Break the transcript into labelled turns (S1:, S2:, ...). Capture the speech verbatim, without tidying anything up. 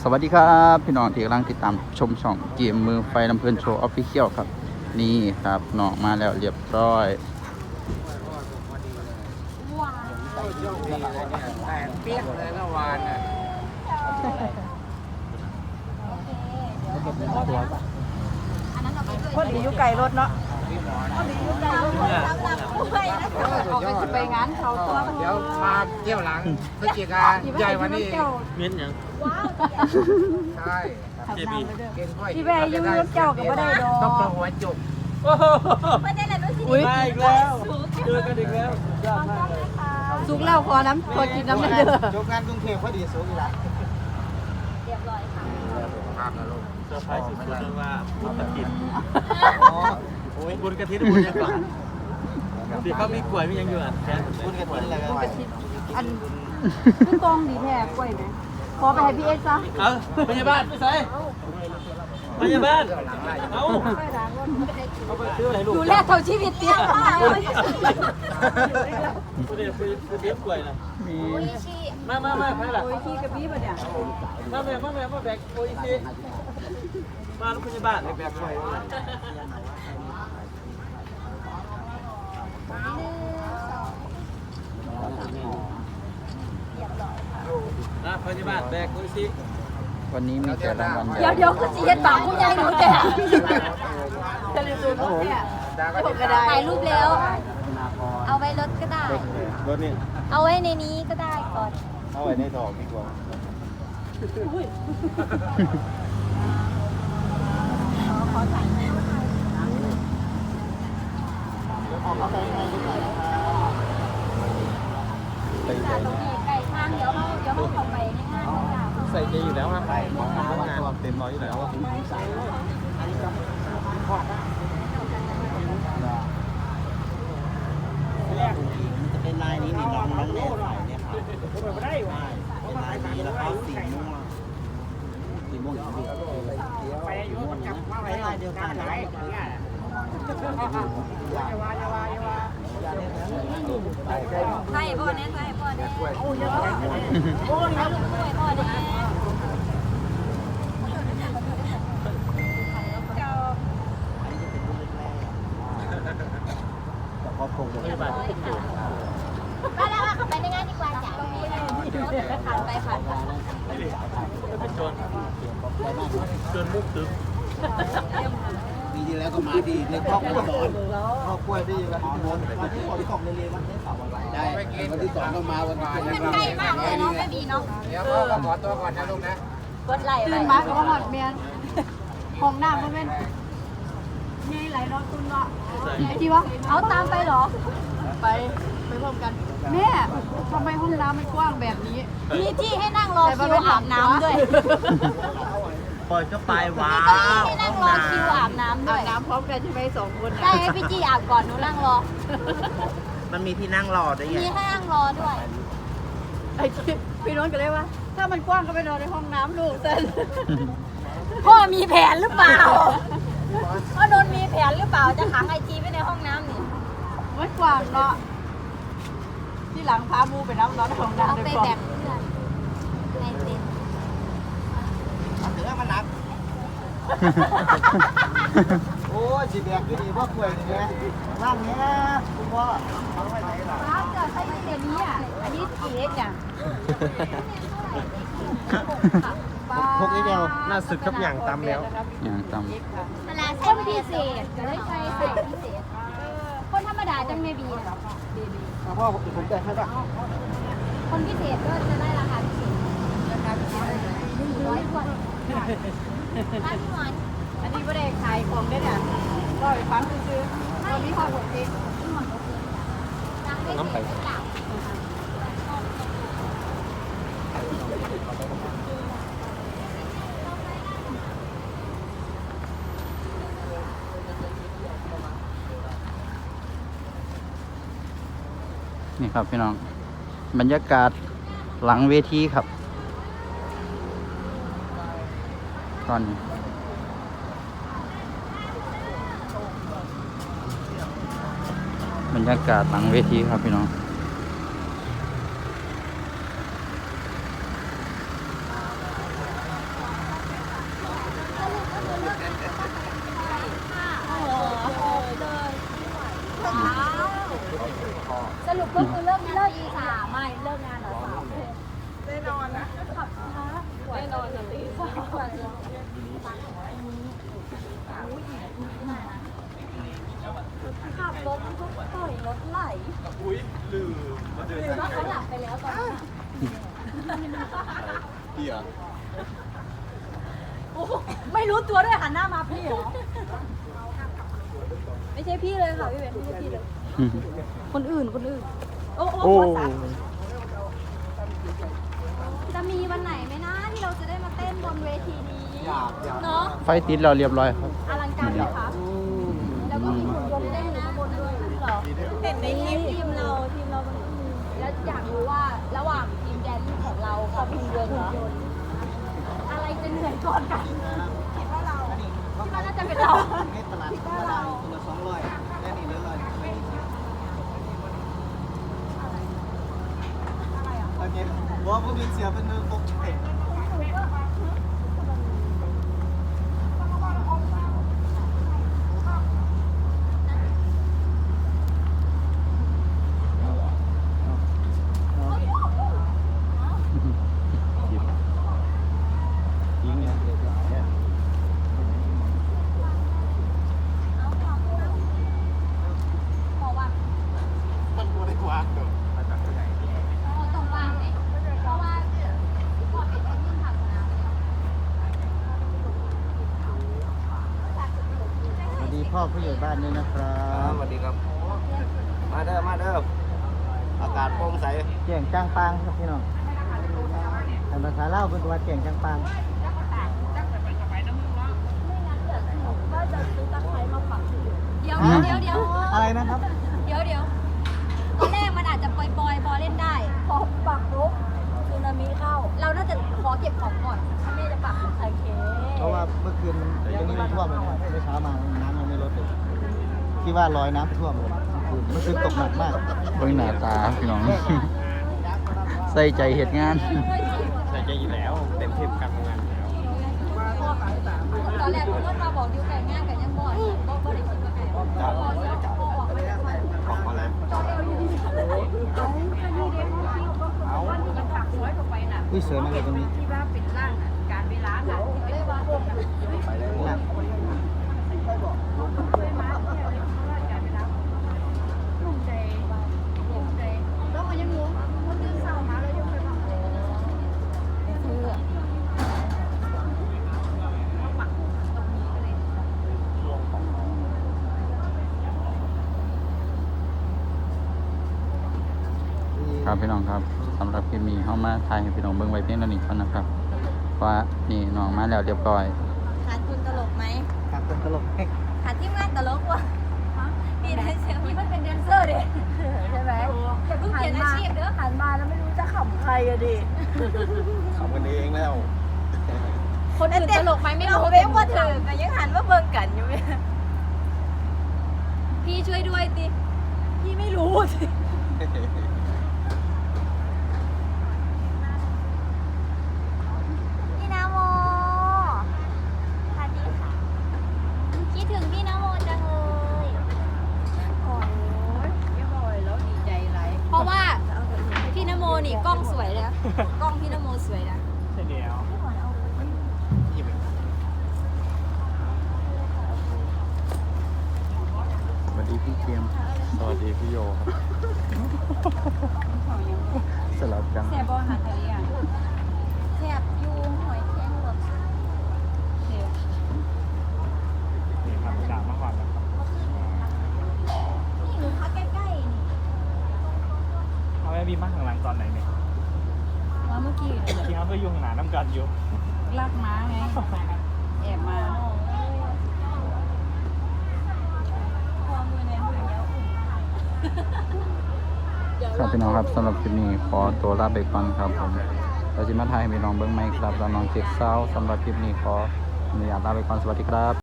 S1: วัสดีครับพี่น้องที่กำลังติดตามชมช่องเกมมือไฟลำเพลินโชว์ออฟฟิเชียลครับนี่ครับน้องมาแล้วเรียบร้อย
S2: แต่เปียกเลยเมื่อวานน่ะ
S3: คนดีอยู่ไกลรถเนาะเอาไปไปงานเขาตัว
S2: เดี๋ยวมาเที่ยวหลังพฤศจิกาใหญ่วันนี้
S4: เมียนยัง
S2: ใช่
S4: เจบี
S2: เก่งค่อย
S3: ที่แม่อยู่รถเจ้าก็ไม่ได้ดอก
S2: ต้องตัวหัวจุก
S3: ไม่ได้เลยด้วยสิ
S4: มาอีกแล้วเจอกันอีกแล้วยอดมากเลย
S3: สุกแล้วพอน้ำพอกินน้ำมันเด้อ
S2: จบงานกรุงเทพพอดีสูงอีกแล้ว
S3: เรียบร้อยค่ะ
S2: ภาพนะลูก
S4: เซอร์ไพรส์สุดๆเลยว่าบุญกระถินโอ้ยบุญกระถินบุญยังก่อนที่เขามีกล้วยมียังอยู่อ่ะแทนบุญกระถินอะไรกัน
S3: อันพี่กองดีแท้กล้วยไหมขอไปให้พี่เอ็กซ์ซะ
S4: เออพยาบาลไปใส่พยาบาลเอาเอาไปซื้ออะไรลูก
S3: ดูแลเท่าชีวิตเตี้ยมากเลย
S4: เดี๋ยวไปเลี้ยงกล้วยนะ
S1: มี
S4: มามามาไปละ
S3: โอ้ยขี้กระบี้มาเนี่ย
S4: มาแม่มาแม่มาแบกโอ้ยสิมาลูกพยาบาลแบกกล้วยนะพยาบาลแบกโอ้ยสิ
S1: วันนี้มีแต่รางวัลให
S3: เดี๋ยว
S1: ญ่
S3: เดี๋ยวคือจีเห็นปากผู้ใหญ่หนูแก่จะเรียนรู้เนี่ยผมก็ได้
S5: ถ่ายรูปแล้ว เอาไว้รถก็ได้
S4: รถนี่
S5: เอาไว้ในนี้ก็ได้ก่อน
S4: เอาไว้ในถอกดีกว่า
S1: ไปใส่
S5: ไก่ทางเดี๋ยวเขาเดี๋ยวเขาเข้าไปในงานของเรา
S4: ใส่ใจอยู่แล้วครับทำงานเต็มร้อยอยู่แล้ว
S6: มันจะเป็นลายนี้นี่น้องน้องแน่ใส่เนี่ยครับเป็นลายนี้แล้วก็สีม่วงสีม่วงสีม่วงไปอยู่มันจับไปลายเดียวกันไหน
S5: ใช่พ่อเนี่ยใช่พ่อเนี่ยโอ้ยพ่อโอ้ยแล้วลูกด้วยพ่อเนี่ย
S6: แต่พอคง
S4: พยาบาลที่ติดอยู่
S5: ไปแล้วเข้าไปในงานดีกว่าจ้ะผ่านไปผ่านไป
S4: เป็นโจรโจรมุกตึ๊บ
S6: ปีที่แล้วก็มาดีในครอบครัวสอนครอบครัวดีแล้วอ๋อวันที่วันที่สองเรียนวันที่สามวันได้วันที่สองก็มาวันที่
S5: มันใกล้มากเลยเนาะไม่บีเนาะ
S2: เดี๋ยวพ่อก็ขอตัวก่อนนะลูกนะ
S5: กดไหลไป
S3: ตื่นมาก็หอดเมียนห้องน้ำก็เป็นนี่ไหลนอนตุนเนาะไอ้ที่ว่า
S5: เอาตามไปเหรอ
S3: ไปไปพร้อมกันแม่ทำไมห้องน้ำมันกว้างแบบนี้
S5: มีที่ให้นั่งรอคิวอาบน้ำด้วย
S6: ปล่อยก็ไปว้า
S5: มีเก้าอี้ให้นั่งรอคิวอาบน้ำด้
S3: อา
S5: วย
S3: บน้ำพร้อมกันใช่ไหมสองคน
S5: ใช่ให้พี่จีอาบก่อนหนูนั่งรอ
S6: มันมีที่นั่งรอด้วยไง
S5: มีให้นั่งรอด้วย
S3: ไอ้ที่พี่น้องก็เลยว่า ถ้ามันกว้างก็ไปนอนในห้องน้ำลูกเส้น
S5: พ่อมีแผนหรือเปล่าพ่อโดนมีแผนหรือเปล่าจะขังไอจีไว้ในห้องน้ำนี่
S3: มันกว้างเนาะที่หลังพามูไปน้ำร้อนในห้อง
S5: เอา
S3: น้ำ
S5: ไป
S3: ด้วย
S5: แบ่งเพื่อนในเต็นท์
S6: ถือว่ามันหนักโอ้ยจีแบกอยู่ดีพ่อกล้วยนี่แม่ร่างเนี้ยคุณพ่อเอาไว้ไหนล่ะ
S3: น้ำจะใช้เดี๋ยวนี้อ่ะอันนี้กี่เอ็กซ์เนี่ย
S4: พวกนี้เดียวน่าสึกครับอย่างตามแล้ว
S1: อย่างต่
S5: เวลาใช้พิเศษจะได้ใช้ใส่พิเศษคนธรรมดาจังไม่บีนะ
S6: พ่อผมแต่ให้ป่ะ
S5: คนพิเศษก็จะได้ราคาพิเศษราคาพิเศษหนึ่งร้อยกว่าร้านพี่หวาน
S3: อันนี้ไม่ได้ขายของได้เนี่ยก็ไปฟังซื้อๆตอนนี้พอหมดเอง
S5: พี่หวานโอเคจ้ะสั่งได้เสร็จหรือเปล่า
S1: ำนี่ครับพี่น้องบรรยากาศหลังเวทีครับตอนนี้บรรยากาศหลังเวทีครับพี่น้อง
S6: เ
S5: สรุปก็คือเลิกเลิกอีสามไม่เลิกงานเหรอสามแน่นอนนะขับช้าแน่นอนเลยตีสามขับรถมันก็ปล่อยรถไหล
S4: อุ้ยลืมมาเดิน
S5: หรือว่าเขาหลับไปแล้วตอนนี้
S4: พี่เหรอ
S3: โอ้โหไม่รู้ตัวด้วยหันหน้ามาพี่เหรอ
S5: ไม่ใช่พี่เลยค่ะพี่เบนไม่ใช่พี่เลย
S3: คนอื่นคนอื่น โอ้โห
S1: โอ้
S5: จะมีวันไหนไหมนะที่เราจะได้มาเต้นบนเวทีนี้
S6: อยากอยาก
S5: เนาะ
S1: ไฟติดเราเรียบร้อยครับ
S5: อลังการไหมคะแล้วก็มีหุ่นยนต์เต้นอยู่ข้างบนด้วยเหรอเห็นในคลิปทีมเราทีมเรามันแล้วอยากรู้ว่าระหว่างทีมแดนซ์ของเรากับหุ่นยนต์เหรออะไรจะเหนื่อยก่อนกันคิดว่าเราคิดว่าน่าจะเป็นเรา
S6: ให้ตลาดธรรมดาตัวละสองร้อยแค่นี้เรื่อยๆไม่ได้คิดโอเคว่าพวกนี้เสียเป็นมือครบเตะ
S1: ยิงเนี่ย
S5: บอกว่า
S6: มันตัวได้กว่าตัว
S5: เราต้องวางไหมเพราะว่าพอเป็นคนยิ่งทำนะ
S6: สวัสดีพ่อผู้ใหญ่บ้านด้วยนะครับสวัสดีครับ มาเด้อมาเด้ออากาศโปร่งใสเก่งจ้างปางครับพี่น้องแต่ภาษาเล่าเป็นตัวเก่งจ้างปาง
S5: ก็จะซื้อตะไคร้มาปักเดี๋ยวเดี๋ยวเดี๋ยว
S6: อะไรนะครับ
S5: เดี๋ยวเดี๋ยวตอนแรกมันอาจจะปล่อยๆพอเล่นได้ พอปักปุ๊บสึนามิเข้า เราน่าจะขอเก็บของก่อนถ้าแม่จะปักโอเค
S6: เพราะว่าเมื่อคืนยังไม่ท่วมเลยนะเมื่อเช้ามาน้ำยังไม่ลดเลยที่ว่าลอยน้ำท่วมเลยเมื่อคืนตกหนักมาก
S1: เบิ่งหน้าตาพี่น้อง ใส่ใจเหตุงาน
S4: ใส่ใจอยู่แล้วเต็มที่กับงานแล้ว
S5: ตอนแรกคุณรถมาบอกดิวไก่ง่ายกันยังบ่อยบ่บ่ได้คิดว่าไก่พอเดี๋ยวพอออกไม่ได้วัน
S4: ออกมาแล้ว
S6: อุ้ยสวยมากเลยตรงนี้
S3: ที่ว่าเป็นร่างน่ะการเวลาน่ะ
S5: เลยว่า
S6: ไปเลยนะ
S3: ลุ่มใจลุ่มใจแล้วมันยังงงมันตื่นเช้ามาแล้วยังไปบอก
S1: ครับพี่น้องครับสำหรับคลิปนี้เข้ามาถ่ายให้พี่น้องเบิ่งไว้เพียงเท่านี้ก่อนนะครับว่านี่น้องมาแล้วเรียบร้อย
S5: ขาดคุณตลกไหม
S6: ขาดคนตลก
S5: ขาดทีมงานตลกว่ะมีแดนเซอร์มีมันเป็นแดนเซอร์เด็ใช่ไหมอย่าเพิ่งเปลี่ยนอาชีพเด้อ
S3: หันมาแล้วไม่รู้จะขำใครอะดิ
S4: ทำกันเองแล้ว
S5: คนอื่นตลกไหมไม่รู้เว้ยว่าเธอแต่ยังหันว่าเบิ่งกันอยู่ไหมพี่ช่วยด้วยติพี่ไม่รู้สิพี่นาโมสวัสดีค่ะคิดถึงพี่นาโมจังเลย
S3: โอ้ยไม่บ่อยแล้วดีใจไร
S5: เพราะว่าพี่นโมนี่กล้องสวยเลยนะกล้องพี่นโมสวยนะ
S4: ใช่เดียว
S1: สวัสดีพี่เกม
S4: สวัสดีพี่โยครับ
S1: สลับกัน
S3: แซ่บอาหารทะเลอ่ะ
S5: แทบยูหอยแครงรส
S4: นี่ครับด่ามาก่อนนะครับ
S5: นี่หนูพักใกล้ๆนี่
S4: เอาแม่บีมาข้างหลังตอนไหนเนี่ย
S3: ว่าเมื่อกี้
S4: ที่เขาเพื่อยุ่งหนาน้ำกันอยู่
S3: ลากม้าไงแอบมา
S5: ความมือในมือเดียว
S1: ครับพี่น้องครับสำหรับคลิปนี้ขอตัวลาไปก่อนครับผมเราจะมาถ่ายให้พี่น้องเบิ่งไหมครับแล้วน้องเจ็กเซาสำหรับคลิปนี้ขออนุญาตลาไปก่อนสวัสดีครับ